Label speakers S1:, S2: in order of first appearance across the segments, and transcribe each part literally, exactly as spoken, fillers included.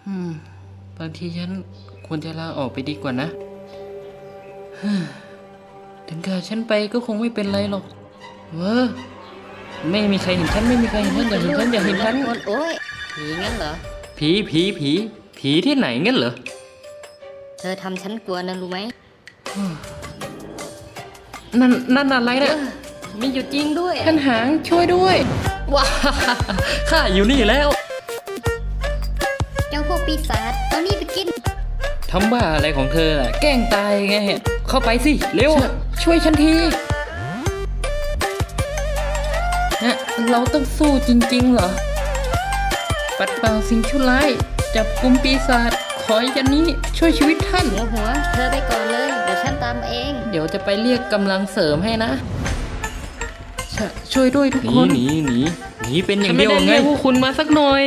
S1: อืมบางทีฉันควรจะลาออกไปดีกว่านะถึงกับฉันไปก็คงไม่เป็นไรหรอกเว้อไม่มีใครเห็นฉันไม่มีใครเห็นฉันอย่าเห็นฉันอย่าเห็นฉัน
S2: โอ้ยผีงั้นเหรอ
S1: ผีผีผีผีที่ไหนงั้นเหรอ
S2: เธอทำฉันกลัวนะรู้ไหม
S1: นั่นนั่นอะไรเนี่ย
S2: มีอยู่จริงด้วย
S1: ท่านหางช่วยด้วยว้าข้าอยู่นี่แล้ว
S2: เจ้าพวกปีศาจเอานี่ไปกิน
S1: ทำบ้าอะไรของเธอล่ะแกล้งตายไงเข้าไปสิเร็วช่วยฉันทีนะเราต้องสู้จริงๆเหรอปัดเป่าสิ่งชั่วร้ายจับกุมปีศาจขอยันนี้ช่วยชีวิตท่าน
S2: หัวหัวเธอไปก่อนเลยเดี๋ยวฉันตามเอง
S1: เดี๋ยวจะไปเรียกกำลังเสริมให้นะช่วยด้วยทุกคนหนีหนีหนีเป็นอย่างเดียวไงไม่ได้เรียกพวกคุณมาสักหน่อย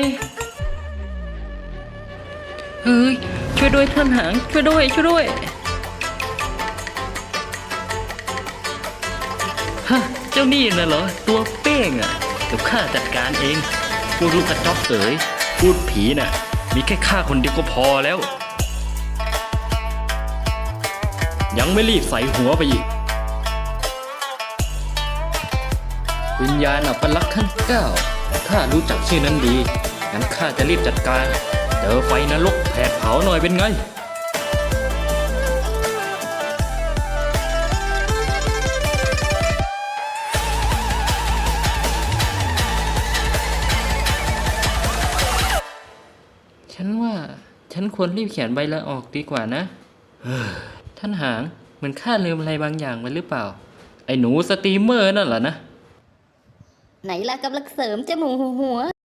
S1: เฮ้ยช่วยด้วยท่านหางช่วยด้วยช่วยด้วยฮะเจ้านี่น่ะเหรอตัวเป้งอ่ะเดี๋ยวข้าจัดการเองพวกลูกกระจอกเอ๋ยพูดผีน่ะมีแค่ข้าคนเดียวก็พอแล้วยังไม่รีบใส่หัวไปอีกวิญญาณอัปลักษณ์ขั้นเก้าข้ารู้จักชื่อนั้นดีงั้นข้าจะรีบจัดการเจอไฟนรกแผดเผาหน่อยเป็นไงฉันว่าฉันควรรีบเขียนใบลาออกดีกว่านะท่านหางเหมือนข้าลืมอะไรบางอย่างไปหรือเปล่าไอ้หนูสตรีมเมอร์นั่นเหรอนะ
S2: ไหนล่ะกำลังเสริมจมูกหัว